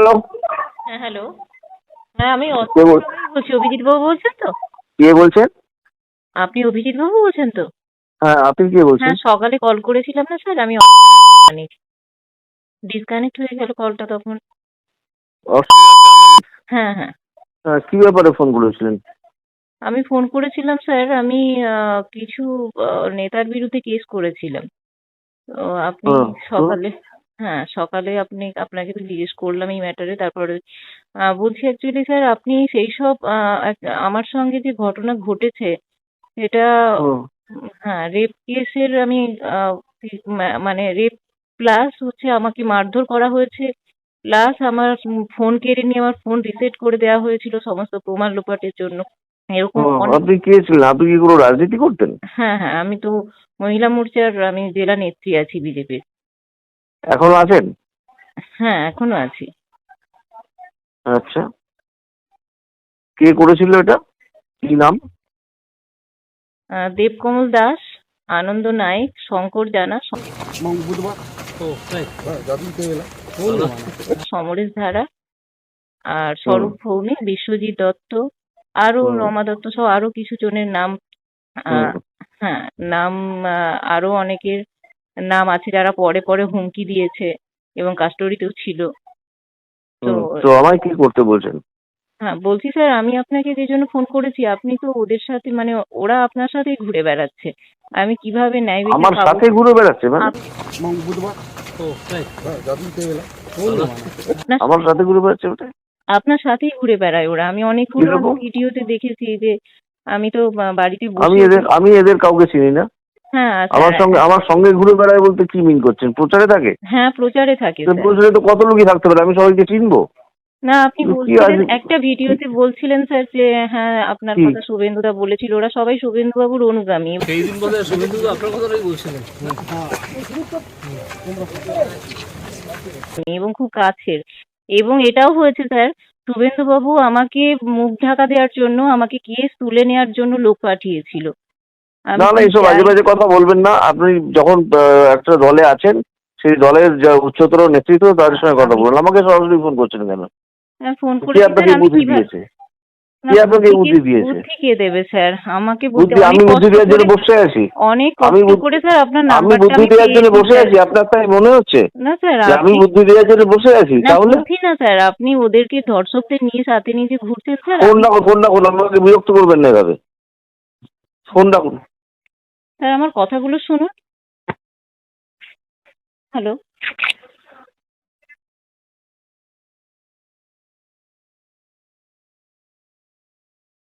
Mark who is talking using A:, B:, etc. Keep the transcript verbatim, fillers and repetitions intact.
A: Hello.
B: হ্যাঁ hello. হ্যাঁ আমি
A: কে বল
B: বলছি, অভিজিৎ বাবু বলছেন তো?
A: কে বলছেন?
B: আপনি অভিজিৎ বাবু বলছেন তো?
A: হ্যাঁ, আপনি কে বলছেন?
B: হ্যাঁ সকালে কল করেছিলাম না স্যার, আমি ডিসকানেক্ট হয়ে গেল কলটা তখন।
A: অস-
B: হ্যাঁ হ্যাঁ
A: হ্যাঁ, কি ব্যাপারে ফোন করেছিলেন?
B: আমি ফোন করেছিলাম স্যার, আমি আহ, কিছু আহ, নেতার বিরুদ্ধে কেস করেছিলাম। তো আপনি
A: হ্যাঁ, তো
B: সকালে, হ্যাঁ সকালে আপনি, আপনাকে তো জিজ্ঞেস করলাম এই ম্যাটারে। তারপরে আহ, বলছি অ্যাকচুয়ালি স্যার, আপনি সেই সব আহ, এক- আমার সঙ্গে যে ঘটনা ঘটেছে সেটা,
A: হুম,
B: উম, হ্যাঁ রেপ কেসের আমি আহ, মা- মানে রেপ প্লাস হচ্ছে আমাকে মারধর করা হয়েছে, প্লাস আমার ফোন কেড়ে নিয়ে আমার ফোন রিসেট করে দেওয়া হয়েছিল সমস্ত প্রমাণ লোপাটের জন্য, এরকম
A: হুম,
B: অনেক।
A: আপনি কে ছিলেন? আপনি কি কোনো রাজনীতি করতেন?
B: হ্যাঁ হ্যাঁ আমি তো মহিলা মোর্চার, আমি জেলা নেত্রী আছি বিজেপির।
A: এখনো আছেন?
B: হ্যাঁ এখনো আছি।
A: আচ্ছা, কে করেছিল এটা? কি নাম?
B: আহ, দেবকমল দাস, আনন্দ নায়েক, শঙ্কর জানা, সমরেশ ধারা, আর
A: হুম,
B: স্বরূপ ভৌমিক, বিশ্বজিৎ দত্ত, আরো
A: হুম,
B: রমা দত্ত সহ আরো কিছু জনের নাম।
A: হুম,
B: আহ, হ্যাঁ নাম, আহ, আরো অনেকের নাম আছে যারা পরে পরে হুমকি দিয়েছে এবং কাস্টডিতেও ছিল। তো
A: হুম। তো আমায় কি করতে বলছেন?
B: হ্যাঁ বলছি স্যার, আমি আপনাকে যে জন্য ফোন করেছি, আপনি তো ওদের সাথে মানে ওরা আপনার সাথেই ঘুরে বেড়াচ্ছে, আমি কিভাবে ন্যায় বিচার
A: আমার
B: পাবো?
A: সাথে ঘুরে বেড়াচ্ছে মানে?
B: আপ- আপনার
A: আমার সাথে ঘুরে বেড়াচ্ছে ওটা?
B: আপনার সাথেই ঘুরে বেড়ায় ওরা, আমি অনেকগুলো আমি
A: কিরকম?
B: ভিডিওতে দেখেছি যে আমি তো বা- বাড়িতে
A: আমি
B: বসে।
A: এদের আমি এদের কাউকে চিনি না।
B: হ্যাঁ
A: আমার
B: স্যার।
A: সঙ্গে আমার সঙ্গে ঘুরে বেড়ায় বলতে কি মিন করছেন? প্রচারে থাকে?
B: হ্যাঁ প্রচারে থাকে
A: তো
B: স্যার।
A: প্রচারে তো কত লোকই থাকতে পারে, আমি সবাইকে চিনবো?
B: না আপনি
A: কিন্তু কি
B: বলছিলেন
A: আছে?
B: একটা ভিডিওতে, বলছিলেন স্যার যে হ্যাঁ আপনার
A: কি?
B: কথা শুভেন্দুদা বলেছিল, ওরা সবাই শুভেন্দু বাবুর অনুগামী।
C: সেই দিন বলে শুভেন্দু আপনার কথাটাই বলছিলেন।
B: এবং খুব কাছের। এবং এটাও হয়েছে স্যার, শুভেন্দু বাবু আমাকে মুখ ঢাকা দেওয়ার জন্য আমাকে কেস তুলে নেওয়ার জন্য লোক পাঠিয়েছিল। আমি
A: না না,
B: কি
A: এইসব
B: চাই?
A: বাজে বাজে কথা বলবেন না। আপনি যখন আহ, একটা দলে আছেন, সেই দলের যা উচ্চতর নেতৃত্ব তাদের সঙ্গে কথা
B: আমি
A: বলুন। আমাকে সরাসরি ফোন করছেন কেন?
B: ফোন
A: কে
B: করেছি স্যার,
A: আপনাকে এই
B: আমি
A: বুদ্ধি
B: কিভাবে?
A: দিয়েছে?
B: না
A: কে আপনাকে
B: বুদ্ধি
A: এই
B: কে,
A: বুদ্ধি দিয়েছে?
B: বুদ্ধি কে দেবে স্যার আমাকে? বুদ্ধি
A: বুদ্ধি
B: অনেক
A: আমি বুদ্ধি
B: কষ্ট
A: দেওয়ার জন্য
B: করে,
A: বসে আছি?
B: অনেক
A: আমি
B: কষ্ট
A: বুদ্ধি-
B: করে স্যার আপনার
A: আমি
B: নাম্বারটা
A: বুদ্ধি
B: আমি
A: দেওয়ার জন্য
B: পেয়েছি
A: বসে
B: স্যার।
A: আছি? আপনার তাই মনে হচ্ছে
B: না স্যার
A: যে আমি
B: আপনি,
A: বুদ্ধি দেওয়ার জন্য বসে আছি?
B: না
A: তাহলে
B: বুদ্ধি না স্যার, আপনি ওদেরকে ধর্ষকদের নিয়ে সাথে নিয়ে যে ঘুরছেন স্যার,
A: ফোন
B: আমি
A: রাখুন, ফোন রাখুন, আমাকে বিরক্ত করবেন না এভাবে। ফোন রাখুন।
B: স্যার আমার কথাগুলো শুনুন। হ্যালো।